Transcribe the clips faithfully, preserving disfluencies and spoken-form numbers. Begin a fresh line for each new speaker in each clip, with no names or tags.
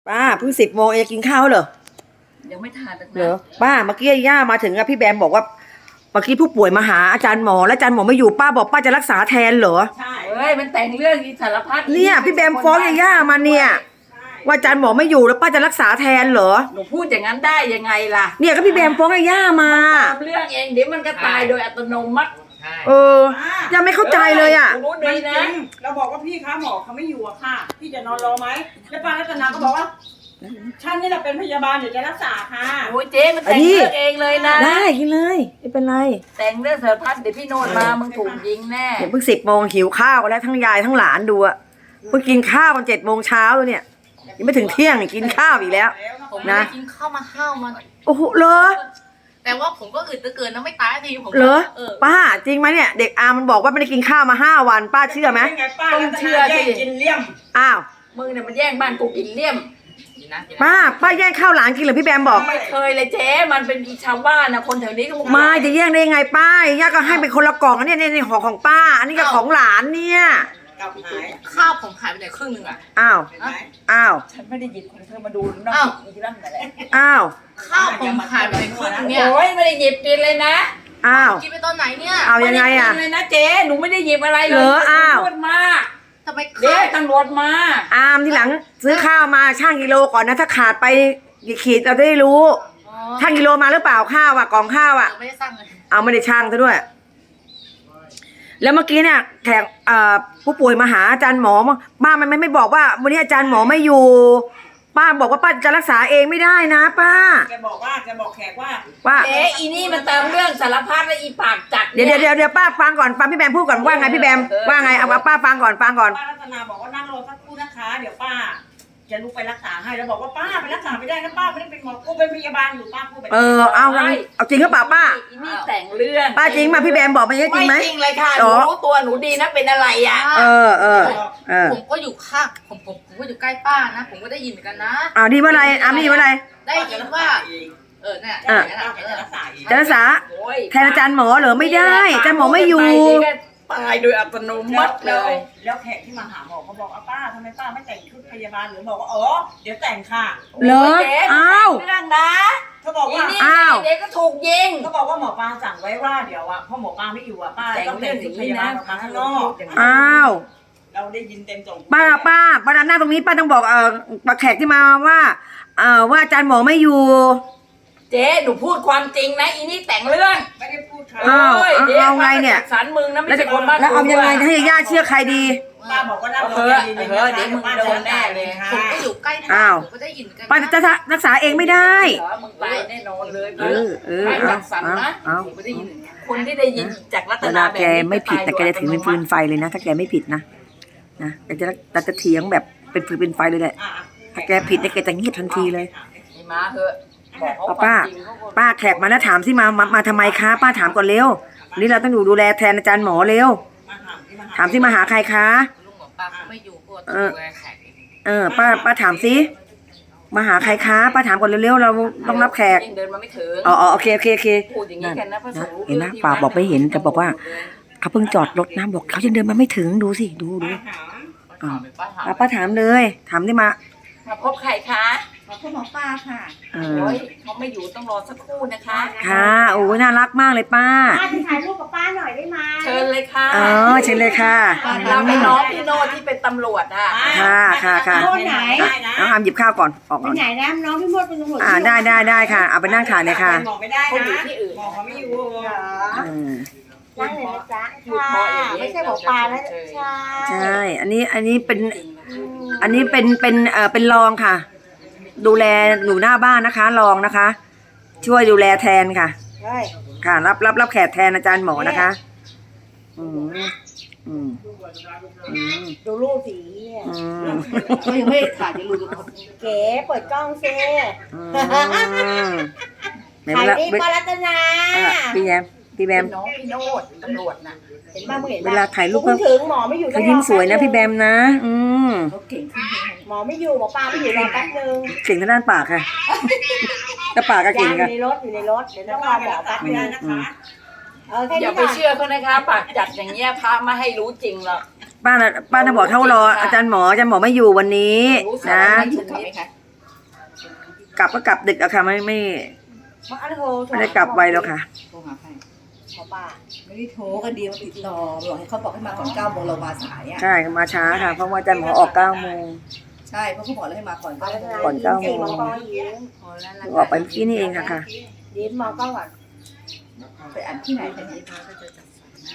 ป้าเพิ่งสิบโมงเองกินข้าวเหรอ
ยังไม่ทานนะ
เหรอป้าเมื่อกี้ย่ามาถึงอะพี่แบมบอกว่าเมื่อกี้ผู้ป่วยมาหาอาจารย์หมอแล้วอาจารย์หมอไม่อยู่ป้าบอกป้าจะรักษาแทนเหรอ
ใช่เฮ้ยมันแต่งเรื่องอีสารพัด
เนี่ยพี่แบมฟ้องย่ามาเนี่ยว่าอาจารย์หมอไม่อยู่แล้วป้าจะรักษาแทนเหรอ
หนูพูดอย่างนั้นได้ยังไงล่ะ
เนี่ยก็พี่แบมฟ้องย่ามา
ตามเรื่องเองเดี๋ยวมันก็ตายโดยอัตโนมัติ
เออยังไม่เข้าใจเลยอ่ะ
รู้ดีนะ
เราบอกว่าพี่คะหมอเขาไม่อยู่อะค่ะพี่จะนอนรอไหมแล้วป้ารัตนาก็บอกว่าฉันนี่แหละเป็นพยาบาลเดี๋ยวจะรักษาค่ะ
โอ้ยเจ๊มันแต่งเรื่องเองเลยนะ
ได้กินเลยไม่เป็นไร
แต่งเรื่องสารพัดเดี๋ยวพี่โนนมามึงถูกยิงแน่
เดี๋ยวเพิ่งสิบโมงหิวข้าวแล้วทั้งยายทั้งหลานดูอะเพิ่งกินข้าวตอนเจ็ดโมงเช้าแล้วเนี่ยยังไม่ถึงเที่ยงกินข้าวอีกแล้ว
ผมไม่ได้กินข้าวมาข้าวมัน
โอ้โหเหรอ
แต่ว่าผมก็อึดเหลือเกินนะไม่ตายทีผม
เหรอป้าจริงไหมเนี่ยเด็กอามันบอกว่าไม่ได้กินข้าวมาห้าวันป้าเชื่อไหม
ต้องเชื่อสิ
กินเลี่ยม
อ้าว
มึงเนี่ยมันแย่งบ้านกูกินเลี่ยม
ป้าป้าแย่งข้าวหลานกินเหรอพี่แบมบอก
ไม่เคยเลยเจ๊มันเป็นชาวบ้านนะคนแถวนี้ก็
ไม่จะแย่งได้ยังไงป้าย่าก็ให้เป็นคนละกล่องเนี่ยในห่อของป้าอันนี้ก็ของหลานเนี่ย
ข้าวผมหายไปไหนครึ่งหนึ่งอ่ะ
อ้าวอ้าว
ฉันไม่ได้หยิบของเธอมาดูนอกอีกนั่นแหละ
อ้าว
ข้าวผมหายไปไหนครึ่งนึงเนี่ย
โอ้ยไม่ได้หยิบกินเลยนะ
อ้าว
กินไปตอนไหนเนี่ย
เอายังไงอ่ะ
เลยนะเจ๊หนูไม่ได้หยิบอะไรเลย
เหรออ้าว
พูดมาก
ทำไม
เดี๋ยวตำรวจมา
อามที่หลังซื้อข้าวมาช่างกิโลก่อนนะถ้าขาดไปกี่ขีดเราได้รู้ช่างกิโลมาหรือเปล่าข้าวอ่ะกล่องข้าวอ่ะ
ไม่ได้สั่งเลย
เอาไม่ได้ช่างซะด้วยแล้วเมื่อกี้เนี่ยแขกผู้ป่วยมาหาอาจารย์หมอป้ามันไม่ไม่บอกว่าวันนี้อาจารย์หมอไม่อยู่ป้าบอกว่าป้าจะรักษาเองไม่ได้นะป้า
แกบอกว่าแกบอกแขกว่า
ว่า
เอ๊ะอีนี่มันเติมเรื่องสารพัดและอีปากจัด
เดี๋ยวเดี๋ยวเดี๋ยวป้าฟังก่อนฟังพี่แบมพูดก่อนว่าไงพี่แบมว่าไงเอาป้าฟังก่อนฟังก่อน
ป้ารัตนาบอกว่านั่งรอสักครู่นะคะเดี๋ยวป้าจะลุกไปรักษาให้แล้วบอกว่าป้าไปรักษาไม่ได้นะป้าไม่ได้เป็นหมอกูเป็นพยาบาลอยู่ป้าพูดแบบ
เออเอาเอาจริงหรือเปล่าป้า
อีนี่แต่งเรื่อง
ป้าจริงมาพี่แบมบอกมาเยอะจริงไหม
ไม่จริงเลยค่ะหนูรู้ตัวหนูดีนะเป็นอะไรอ่ะ
เออเออเออ
ผมก็อยู่ข้างผมผมผมก็อยู่ใกล้ป้านะผมก็ได้ยินเหมือนกันนะ
อ้าวดีว่าอะไรอ้ามีว่าอะไร
ได้ยินว่าเออเนี่ย
จะรักษาแทนอาจารย์หมอเหรอไม่ได้อาจารย์หมอไม่อยู่
ตายโดยอัตโนมัติเลย
แล้วแขกที่มาหาหมอเขาบอกป้าทำไมป้าไม่แต่งชุดพยาบาลหรือบอกว่าอ๋อเดี๋ยวแต่งค่ะ
เหรออ้าว
เรื่องนะ
เขาบอกว่า
อ้าว
เด็กก็ถูกยิง
เขาบอกว่าหมอปลาสั่งไว้ว่าเดี๋ยวอ่ะพ่อหมอปลาไม่อยู่อ่ะป้าต้องแต่งชุดพยาบาลออกมาข้างนอก
อ้าว
เราได้ยินเต็มสอง
ป้าป้าป้าดำหน้าตรงนี้ป้าต้องบอกเอ่อแขกที่มาว่าเอ่อว่าอาจารย์หมอไม่อยู่
เจ๊หนูพูดความจริงนะอีนี่แต่งเรื่อง
ไม่ได้พูดค่ะ
อ้าวเอาไงเนี่ย
สารมึงนะไม่ใช่คนบ้าน
แล้วเอายังไงให้ญาติเชื่อใครดี
ป้าบอกว่านั่งรอเดี๋ยวมึงโดนแน่เลย
ผมก็อยู่ใกล้
อ้าว
ก็ได้ยินกัน
ป้าจะรักษาเองไม่ได้
มึงตายแน่นอนเลย
เออเออ
ไม่จัดสรรนะผมก็ได้ยินคนที่ได้ยินจากรัตนาแบบ
แกไม่ผิดแต่แกจะถือเป็นฟืนไฟเลยนะถ้าแกไม่ผิดนะนะแกจะแต่จะเถียงแบบเป็นฟืนเป็นไฟเลยแหละถ้าแกผิดเนี่ยแกจะเงียบทันทีเลย
มาเถอะ
ป้าป้าแขกมาแล้วถามสิมามามาทำไมคะป้าถามก่อนเร็วนี่เราต้องอยู่ดูแลแทนอาจารย์หมอเร็วถามสิมาหาใครคะ
ลุงหมอป้าเขาไม่อยู่ก็
เออเออป้าป้าถามสิมาหาใครคะป้าถามก่อนเร็วๆเราต้องรับแขก
เดินมาไม่ถึง
อ๋อโอเคโอเคโอเค
พูดอย่างนี้กันนะพระสงฆ์
เห็นไหมป้าบอกไม่เห็นแต่บอกว่าเขาเพิ่งจอดรถนะบอกเขายังเดินมาไม่ถึงดูสิดูดูป้าป้าถามเลยถามได้มา
มาพบใครคะ
ขอบคุณหมอปลาค่ะ
โอ้ยเขาไม่อยู่ต้องรอสักครู่นะคะ
ค่ะโอ้ยน่ารักมากเลยป้า
ป้าจะถ่ายรูปกับป้าหน่อยได้ไหม
เชิญเลยค่ะ
อ๋อเชิญเลยค่ะ
เราเป็นน้องพี่โนที่เป็นตำรวจอ่ะ
ค่ะค่ะค่ะ
โน่นไหน
น้องอามหยิบข้าวก่อนออก
ก่อนไหนนะน้องพี่มดเป็นตำรวจ
อ่าได้ได้ได้ค่ะเอาไปนั่งถ่ายเลยค่ะ
หมอไม่ได้นะอยู่ที่อื่นหมอเขาไม่อยู่นั่งเลยนะจ๊ะค่ะไม่ใช่หมอปลาแล้วใช่
ใช่อันนี้อันนี้เป็นอันนี้เป็นเป็นเอ่อเป็นรองค่ะดูแลอยู่หน้าบ้านนะคะรองนะคะช่วยดูแลแทนค่ะค่ะรับรับรับแขกแทนอาจารย์หมอนะคะอืมอืม
ดูรูปสี
เขายังไม่ถ่ายจะรู้
เก๋เปิดกล้องซิถ่ายดีปารัตนา
พี่แยมพี่แบม
น้องพี่โนดตำรวจน่ะ
เห็นบ้างมึงเห็น
เวลาถ่ายรูปก็
ถึงหมอไม่อยู่
เขายิ้มสวยนะพี่แบมนะอืม
หมอไม่อยู่หมอปลาไม่อยู่รอแป๊บนึง
เก่งทางด้านปากค่ะแต่ปากก็เก่งค่ะ
อยู่ในรถอยู่ในรถเดี๋ยวต้องรอหมอแป๊บนึงนะคะ
อย่าไปเชื่อเขานะคะปากจัดอย่างเงี้ยพระไม่ให้รู้จริงหรอก
ป้าป้าจะบอกเท่ารออาจารย์หมออาจารย์หมอไม่อยู่วันนี้นะกลับก็กลับดึกอะค่ะไม่ไม่
มาอันโทร
ไม่ได้กลับไวแล้วค่ะ
โทรหาใคร
ขอป้า
ไม่ได้โทรก็ดีมาติดต่อบอกให้เขาบอกให้มาก่อนเก้าโมงเรามาสายอ่ะ
ใช่มาช้าค่ะ เพราะว่าอาจารย์หมอออกเก้าโมง
ใช่เพราะเขาบอกแล้วให้มาก่อนเก้าโมง
ก่อนเก้าโมง
มอก็ยิ้ม
พอแล้วละ
ออกไปเมื่อกี้นี่เองค่ะค่ะ
ยิ้มมอก็ก่อน
ไปอ่านที่ไหนกันเนี่ย
ป้าก็จะจัดสรรนะ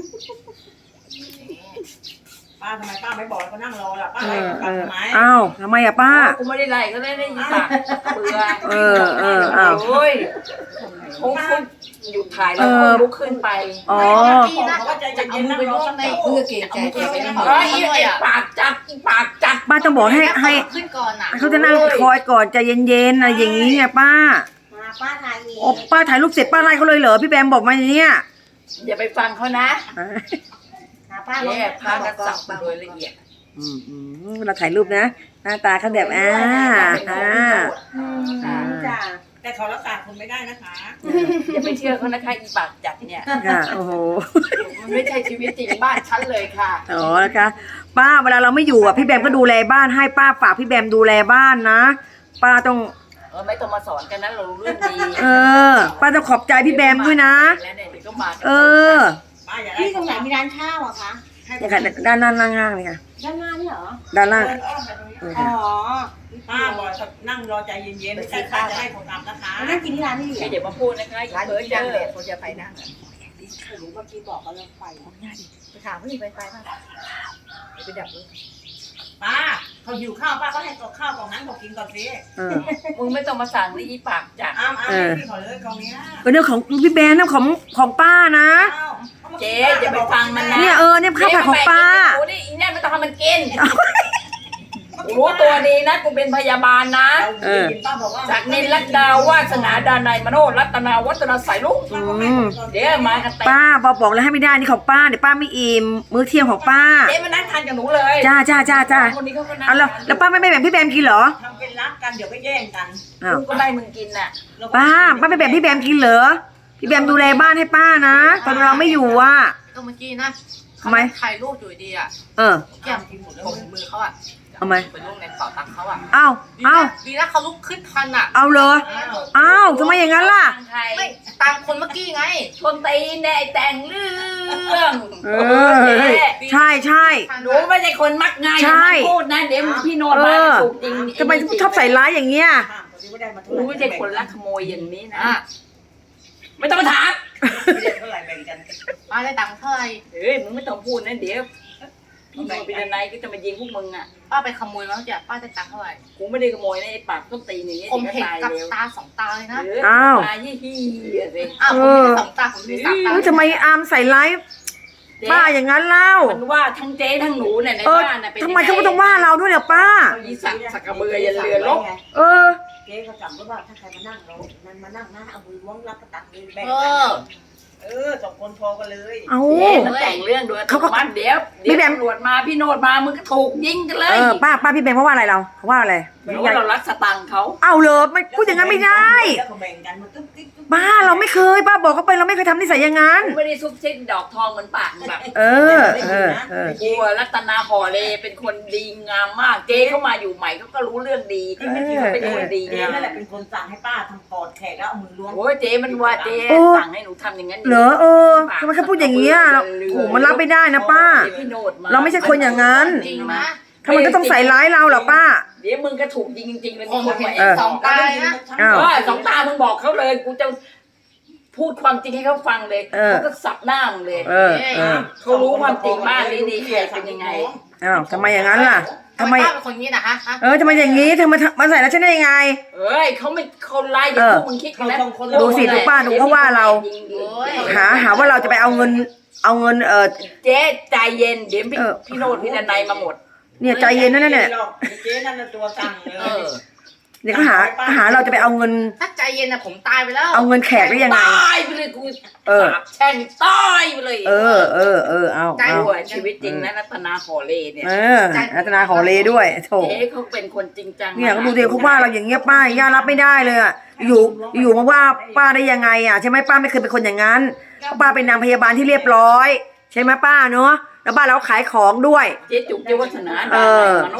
ป้าทำไมป้าไม่บอกก็นั่งรอล่ะป้า
เอ
ไล่
อก เอ
ลับ
อ
ทำไม
อ้าวทำไมอะป้า
กูไม่ได้ไล่ก็ได้ได้ยินปากเบื่อ
เออเอออ้าว
โอ้ยเขาเขาหยุดถ่ายแล้วเขาลุกขึ้นไป
อ๋อ
เขาก็ใจเย็นๆนั่งรอสักครู่
เพื่อเกรงใจแกไปนั่ง
เฮ้ยไอ้ปากจัดไอ้ปากจัด
ป้าต้องบอกให้ให้
ขึ้นก่อนอ่ะ
เขาจะนั่งคอยก่อนใจเย็นๆอะไรอย่างนี้ไงป้า
มาป้าทายเอง
โอ้ป้าถ่ายรูปเสร็จป้าไล่เขาเลยเหรอพี่แบมบอกมาอย่างเนี้ย
อย่าไปฟังเขานะ
หาป้า
แย่พากันสับโดยละเอียด
อืมอืมเวลาถ่ายรูปนะหน้าตาเขาแบบอ่าอ่า
อืมจ้ะ
แต่เขารักษาคุณไม่ได้นะคะ
อย่าไปเชื่อเขานะคะอีปากจัดเนี่ย
ค่ะโอ้โห
มันไม่ใช่ชีวิตจริงบ้านฉันเลยค่ะ
อ๋อนะคะป้าเวลาเราไม่อยู่อ่ะพี่แบมก็ดูแลบ้านให้ป้าฝากพี่แบมดูแลบ้านนะ ป้าต้อง
เออไม่ต้องมาสอนกันนะเรารู้เรื่องดี
เออ ป้าต้องขอบใจพี่แบมด้วยนะ
แล้วเนี่ยเดี๋ยวก็มา
เออ
ป้าอย่า
ที่ตรงไหนมีร้านข้าวอะคะ
เนี่ยค่ะด้านด้านล่างๆเลยค่ะ
ด้านหน้านี่เหรอ
ด้านล่าง
เดินอ้อมไปตรงนี้
เออ
อ๋
ค่ะ
อ
ป้าบอกนั่งรอใจเย็นๆไม่ใช่ป้าจะให้ผมกลับนะคะ
มานั่งกินที่ร้านนี่เหร
ไม่
อ
เดี๋ยวมาพูดนะคะอย่า
ร้าน
เพ้อ
ที่
เจ้
ดัง
อ
เลยเขาจะไปนั่ง
หรือเมื่อกี้บอกเขาเลิกไป
ไปถามเขาที่ไปไปป่ะไปดับรถ
ป้าเขาหิวข้าวป้าก็ให้กับข้าวกล่องนั้นเขากินก่อนสิ
เออ
มึงไม่ต้องมาสั่งนี่อีปากจัด
อ้าวอ้าวให้พี่ขอเลยกล่องเนี้ย
เป็นเรื่องของพี่แบมนะของของป้านะ
อ้าว
เจ๊อย่าไปฟังมันนะ
เนี่ยเออเนี่ยข้าวผัดของป้า
โอ้นี่อีเนี่ยไม่ต้องทำมันกินกูรู้ตัวดีนะกูเป็นพยาบาลนะ
เออ
ป้าบอกว่า
จากนินรัตดาวาสนาดานายมโนรัตนาวัฒนาสายลุง
อืม
เดี๋ยวมากันเต็ม
ป้าบอกบอกแล้วให้ไม่ได้นี่ของป้าเดี๋ยวป้าไม่อิ่มมื้อเที่ยงของป้า
เจ๊มานั่งทานกับหนูเลย
จ้าจ้าจ้าจ้า
คนนี้เขาก็นั่ง
เอาแล้วแล้วป้าไม่ไม่แบ่งพี่แบมกินเหรอ
ทำเป็นรักกันเดี๋ยวก็แย่งกัน
อ้าว
กูก็ได้มึงกินน่ะ
ป้าป้าไม่แบ่งพี่แบมกินเหรอพี่แบมดูแลบ้านให้ป้านะตอนเราไม่อยู่อ่ะ
ก็เมื่อกี้นะ
ทำไม
ถ่ายรูปอยู่ดีอ่ะ
เออ
แก้มผมมือเขาอ่ะ
ทำไม
เป็นรูปในเป๋าตังค์เขาอ่ะ
เอ้า
ดี
เอ้า
นะดีนะเขาลุกขึ้นทันอ่ะ
เอาเลยเอ้าทำไมอย่างนั้นล่ะ
ทางไทย
ไม่ตามคนเมื่อกี้ไง
ชนตีนเนี่ยไอ้แต่งเรื่อง
เออใช่ใช่
หนูไม่ใช่คนมักง่าย
ใช่
อย่ามาพูดนะเดี๋ยวพี่โนด
เอ
มา
อ
ถูกจริง
ทำไมชอบใส่ร้ายอย่างเงี้ย
หนูไม่ใช่คนรักขโมยอย่างนี้นะ
อ่ะ
ไม่ต้องมาถาม
ไม่ได้เท่าไหร่แบ่งกัน
ป้าได้ตังค์เท่าไหร่
เฮ้ยมึงไม่ต้องพูดนะเดี๋ยวพี่โนดพี่ดนัยก็จะมายิงพวกมึงอ่ะ
ป้าไปขโมยมาแล้วจ้ะป้าได้ตังค์เท่าไหร่
กูไม่ได้ขโมยนะไอ้ปากต้นตีนอย่างเงี้ย
ผม
ดี๋ยว
เห็น
ก็ตาย
กับ
เร็ว
ตาสองตาเลยนะ
เออ
อ้าว
ตายยี่ฮียสิ
อ้าวผมมีแค่สองตาผมมีสามตา
เอ้ยทำไมอามใส่ร้ายป้าอย่างนั้นเล่า
มันว่าทั้งเจ๊ทั้งหนูเนี่ยใน
เออ
บ้านน่ะเป็น
ทำไมเขาไม่ต้องว่าเราด้วยเนี่ยป้า
เอายีสักสักกระเบือยันเรือลบ
เออ
เจ๊เขาจำไว้ว่าถ้าใครมานั่งเรานั่นมานั่งนะเอามือล้วงรับกระตักเลยแบ่ง
เอ
กัน
อ
เออสองคนพอกันเลย
เอา
เจ๊มันแต่งเรื่องด้วย
เขาก็
มันเดี๋ยวเดี๋ยว
พี่แบม
ตำรวจมาพี่โนดมามึงก็ถูกยิงกันเล
เอย อป้าป้าพี่แบงค์เขาว่าอะไรเราเขาว่าอะไร
รู้ว่าเรารักสตังค์เขา
เอาเลยไม่พูดอย่างนั้นไม่ได้
แล้วก็แบ่งกันมันตึ๊บติ๊บตึ๊บ
ป้าเราไม่เคยป้าบอกเขาไปเราไม่เคยทำนิสัยอย่างนั้น
กูไม่ได้ซุบซิบดอกทองเหมือนปากมึงแบบ
เออเออเออ
กูอะรัตนาหอเลเป็นคนดีงามมาก เจ๊เข้ามาอยู่ใหม่เขาก็รู้เรื่องดีเขาเป็นคนดี
เจ๊
งาม
นั่นแหละเป็นคนสั่งให้ป้าทำปอดแขกแล้วเอามือล้วง
โอ้ยเจ๊มันว่าเจ๊สั่งให้หนูทำอย่างนั้น
เหรอเออทำไมเขาพูดอย่างเงี้ยเราโอ้มันรับไม่ได้นะป้า
เดี๋ยวพี่โนดมา
เราไม่ใช่คนอย่างนั้น
จริงนะ
ทำไมก็ต้องใส่ร้ายเราเหรอป้า
เดี๋ยวมึงก็ถูกยิงจริงๆเลย
ผม
คน
เห็น
มา
เออ
สองตาเลยนะ
อ้าว
เออสองตามึงบอกเขาเลยกูจะพูดความจริงให้เขาฟังเลย
เออ
เขาก็สับหน้ามึงเลย
เออเออ
เขารู้ความจริงบ้านนี้ดีใครเป็นยังไง
อ้าวทำไมอย่างนั้นล่ะทำไม
ป้าเป็นคนนี้นะฮะฮะ
เออทำไมอย่างงี้เธอมามาใส่แล้วฉันได้ยังไง
เอ้ยเขาไม่เขาไล่อย่าง
เออ
พวกมึงคิดกันแล้ว
ดูสิดูป้าดูเขาว่าเรา หาหาว่าเราจะไปเอาเงิน เอาเงินเออ
เจ๊ใจเย็นเดี๋ยวพี่
เออ
พี่โนดพี่ดนัยมาหมด
เนี่ยใจเย็นนั่นเนี่ย
เจ๊นั่นน่ะตัวสั่งเล
เอย อ
เนี่ยเขาหาหาเราจะไปเอาเงิน
ถ้าใจเย็นนะผมตายไปแล้ว
เอาเงินแขกได้ยังไง
ตายไปเลยกู
เออ
สาบแช่งตายไปเลย
เออเออเออเอา
ใจ
เอา
หัวชีวิตจริงนะรัตนาหอเลเนี่ย
เออรัตนาขอเลด้วยโถ
เจ๊เขาเป็นคนจริงจัง
เนี่ยเขาดูเดียวเขาว่าเราอย่างเงี้ยป้าย่ารับไม่ได้เลยอ่ะอยู่อยู่มาว่าป้าได้ยังไงอ่ะใช่ไหมป้าไม่เคยเป็นคนอย่างนั้นเพราะป้าเป็นนางพยาบาลที่เรียบร้อย ใช่ไหมป้าเนาะแล้วบ้านเราขายของด้วย
เจ๊จุกเจ๊วัฒนา
เอ
ดา
อ
นายมโนด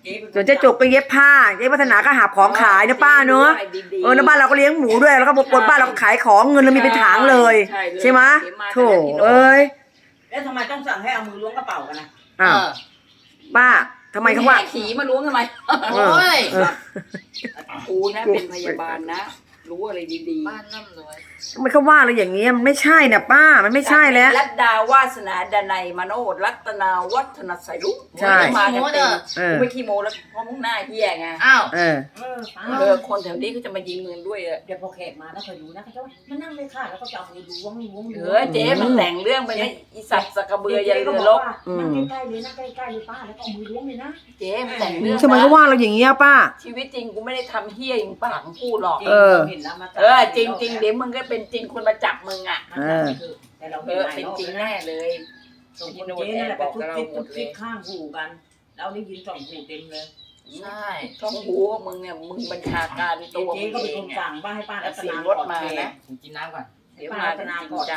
ส่วนเจ๊จุกก็เย็บผ้าเจ๊วัฒนาก็หาของขายนะป้าเนอะเออแล้วบ้านเราก็เลี้ยงหมูด้วยแล้วก็บนบ้านเราก็ขายของเงินเรามีเป็นถังเลยใช่ไหมโถเอ้ย
แล้วทำไมต้องสั่งให้เอามือล้วงกระเป๋ากันนะ
อ้าวป้าทำไมเขาว่า
ขี่มาล้วงทำไม
เออเออ
กูนะเป็นพยาบาลนะ รู้อะไรดีๆ
บ้านร่ำรวย
ทำไมเขาว่าเราอย่างเงี้ยมันไม่ใช่นะป้ามันไม่ใช่แล้ว
รัตดาวาสนาดนัยมโนรัตนาวัฒนสายลุก
ใช่
มากันเต็ม
เออ
กูไม่ขี้โมแล้วเพราะมึงหน้าเหี้ยไง
อ้าว
เออ
เออป้า
เออคนแถวนี้เขาจะมายิงเงินด้วยอะ
เดี๋ยวพอแขกมาแล้วคอยดูนะเขาจะว่ามานั่งเลยค่ะแล้วก็จะเอามือล้วงล้วง
เอ
ล้ว
อง เจ๊มันแต่งเรื่องไปนะอีสัตว์สกกระเบือยันเรือรบ
นั่งใกล้ๆเลยนั่งใกล้ๆเลยป้าแล้วก็เอามือล้วงเลยนะ
เจ๊มันแต่งเรื่อง
ทำไมเขาว่าเราอย่างเงี้ยป้า
ชีวิตจริงกูไม่ได้ทำเหี้ยอย่างปากมึงพูดหรอก
เออ
เห็นแล้วมา
เออจริงจริงๆเดี๋ยวมึงก็เป็นจริงคนมาจับมึงอ่ะ
เออแต่เรา
เอ
เห็น
อ
หลาย
เป็น
รอบ
จริง
แล้ว
แน่
นะ
เลย
ส่งคนเจ๊นั่นแหละไปทุกทิศทุกทิศข้างหูกันเราได้ยินสองหูเต็มเลย
ใช่
ต้องหูว่ามึงเนี่ยมึงบัญชาการตัว
เจ๊
มึง
ก็
เอ
เป็นค
ง
น
อะ
สั่งว่าให้ป้ารัต
เสีย
นาง
รถมานะ
ผมกินน้ำก่อน
เดี๋ยวมาเป็นจริงจัง